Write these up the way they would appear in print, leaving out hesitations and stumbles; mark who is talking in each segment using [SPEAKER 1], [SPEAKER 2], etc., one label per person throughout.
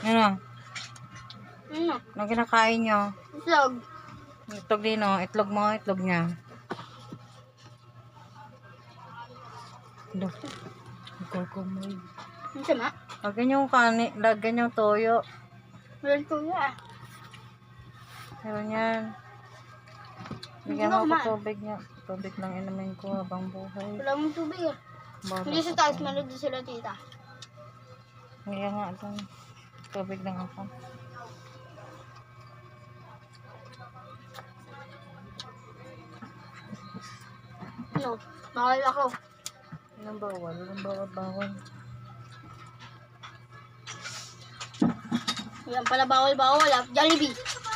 [SPEAKER 1] Ano?
[SPEAKER 2] Ano?
[SPEAKER 1] Ano kinakain nyo?
[SPEAKER 2] Itlog.
[SPEAKER 1] Itlog din, oh. Itlog mo, itlog niya. Ito. Kukumoy.
[SPEAKER 2] Ang sama.
[SPEAKER 1] Lagyan yung kanin, lagyan yung toyo.
[SPEAKER 2] Walang tuya.
[SPEAKER 1] Meron yan. Bigyan mo ako tubig niya. Tubig lang inumin ko habang buhay.
[SPEAKER 2] Wala mong tubig eh.
[SPEAKER 1] Bago
[SPEAKER 2] Hindi sa
[SPEAKER 1] ako.
[SPEAKER 2] taas, manood sila tita.
[SPEAKER 1] Kaya nga ito. Tubig lang ako.
[SPEAKER 2] Ano? Bawal ako.
[SPEAKER 1] Anong bawal? Anong bawal?
[SPEAKER 2] Yan pala bawal ah. Jollibee.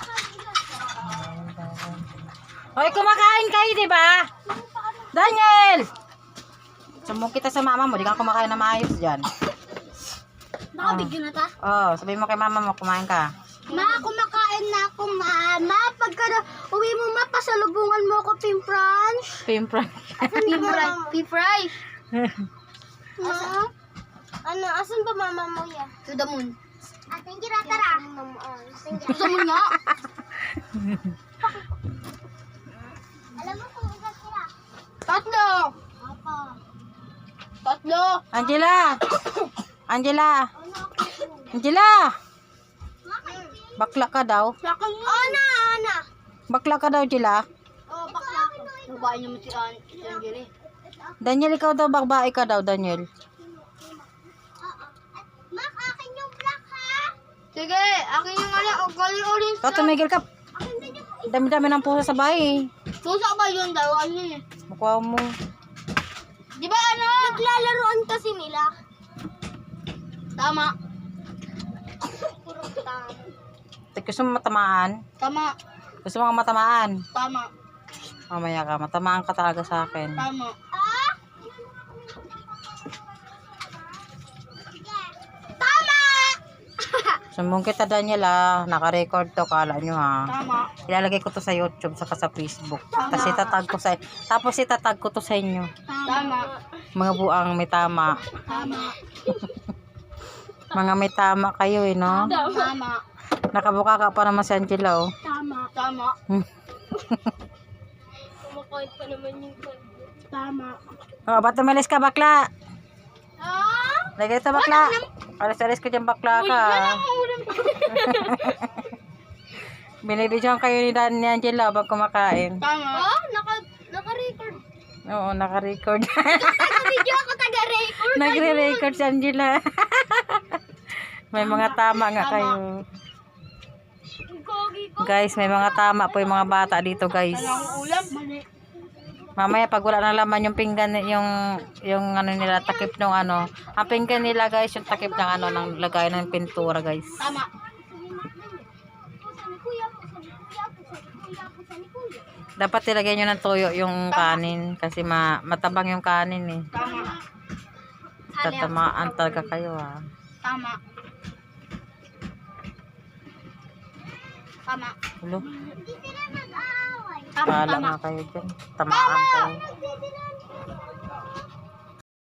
[SPEAKER 1] Bawal. Hoy, kumakain kayo, di ba? Daniel! Sumbong kita sa mama mo, di ka kumakain na maayos dyan.
[SPEAKER 2] Nakabigyo na ta?
[SPEAKER 1] Oh, sabihin mo kay mama mo, kumain ka.
[SPEAKER 2] Ma, kumakain na ako, ma. Ma, pagka uwi mo, ma, pasalubungan mo ako, Pimpranch.
[SPEAKER 1] Pimpran.
[SPEAKER 2] Pifry. Ma? Ano, asan ba mama mo yan? To the moon. Ating tara. To the moon nga. Alam mo kung ilan sila? Tatlo. Tatlo.
[SPEAKER 1] Angela! Angela! Angela! Bakla ka daw.
[SPEAKER 2] Ana.
[SPEAKER 1] Bakla ka daw, Angela.
[SPEAKER 2] Oh, bakla ko. Babae niyo mo si Angeli.
[SPEAKER 1] Daniel, ikaw daw, babae ka daw, Daniel.
[SPEAKER 2] Mak, akin yung black ha? Sige, akin yung orange.
[SPEAKER 1] Ikaw, tumigil ka. Dami-dami ng pusa sa bahay.
[SPEAKER 2] Pusa ba yun daw? Ano eh?
[SPEAKER 1] Mukha mo.
[SPEAKER 2] Di ba ano? Naglalaroan kasi nila. Tama. Puro tama.
[SPEAKER 1] Gusto mo matamaan?
[SPEAKER 2] Tama.
[SPEAKER 1] Gusto mo matamaan?
[SPEAKER 2] Tama.
[SPEAKER 1] Mamaya ka, matamaan ka talaga sa akin.
[SPEAKER 2] Tama. Tama!
[SPEAKER 1] Sumbong kita, Daniel, ah. Naka-record to, kala nyo, ha.
[SPEAKER 2] Tama.
[SPEAKER 1] Ilalagay ko to sa YouTube, saka sa Facebook. Tapos itatag ko to sa inyo.
[SPEAKER 2] Tama.
[SPEAKER 1] Mga buang may tama.
[SPEAKER 2] Tama.
[SPEAKER 1] Mga may tama kayo, eh, no?
[SPEAKER 2] Tama.
[SPEAKER 1] Nakabuka ka pa naman si Angela, oh.
[SPEAKER 2] Tama. Tama. Kumakait pa naman yung tama.
[SPEAKER 1] Oh, ba't tumalis ka, bakla?
[SPEAKER 2] Ah?
[SPEAKER 1] Lagay ito, bakla. Alis-alis ka dyan, bakla ka. Binibidyoan kayo ni Angela habang kumakain.
[SPEAKER 2] Tama. Oh, naka-record.
[SPEAKER 1] Oo, naka-record.
[SPEAKER 2] Naka-video ako taga-record.
[SPEAKER 1] Nagre-record si Angela. May mga tama nga kayo. Guys, may mga tama po yung mga bata dito, guys.
[SPEAKER 2] Ulam. Mali.
[SPEAKER 1] Mamaya pag wala na laman yung pinggan, yung ano nila, takip ng ano. Ang pinggan nila, guys, yung takip ng ano, ng lagay ng pintura, guys.
[SPEAKER 2] Tama.
[SPEAKER 1] Dapat ilagay nyo ng toyo yung kanin kasi matabang yung kanin, eh.
[SPEAKER 2] Tama.
[SPEAKER 1] Tatamaan talaga kayo, ha.
[SPEAKER 2] Tama. Tama.
[SPEAKER 1] Hulo,
[SPEAKER 2] Tama.
[SPEAKER 1] pala nga kayo dyan. Tamaan kayo.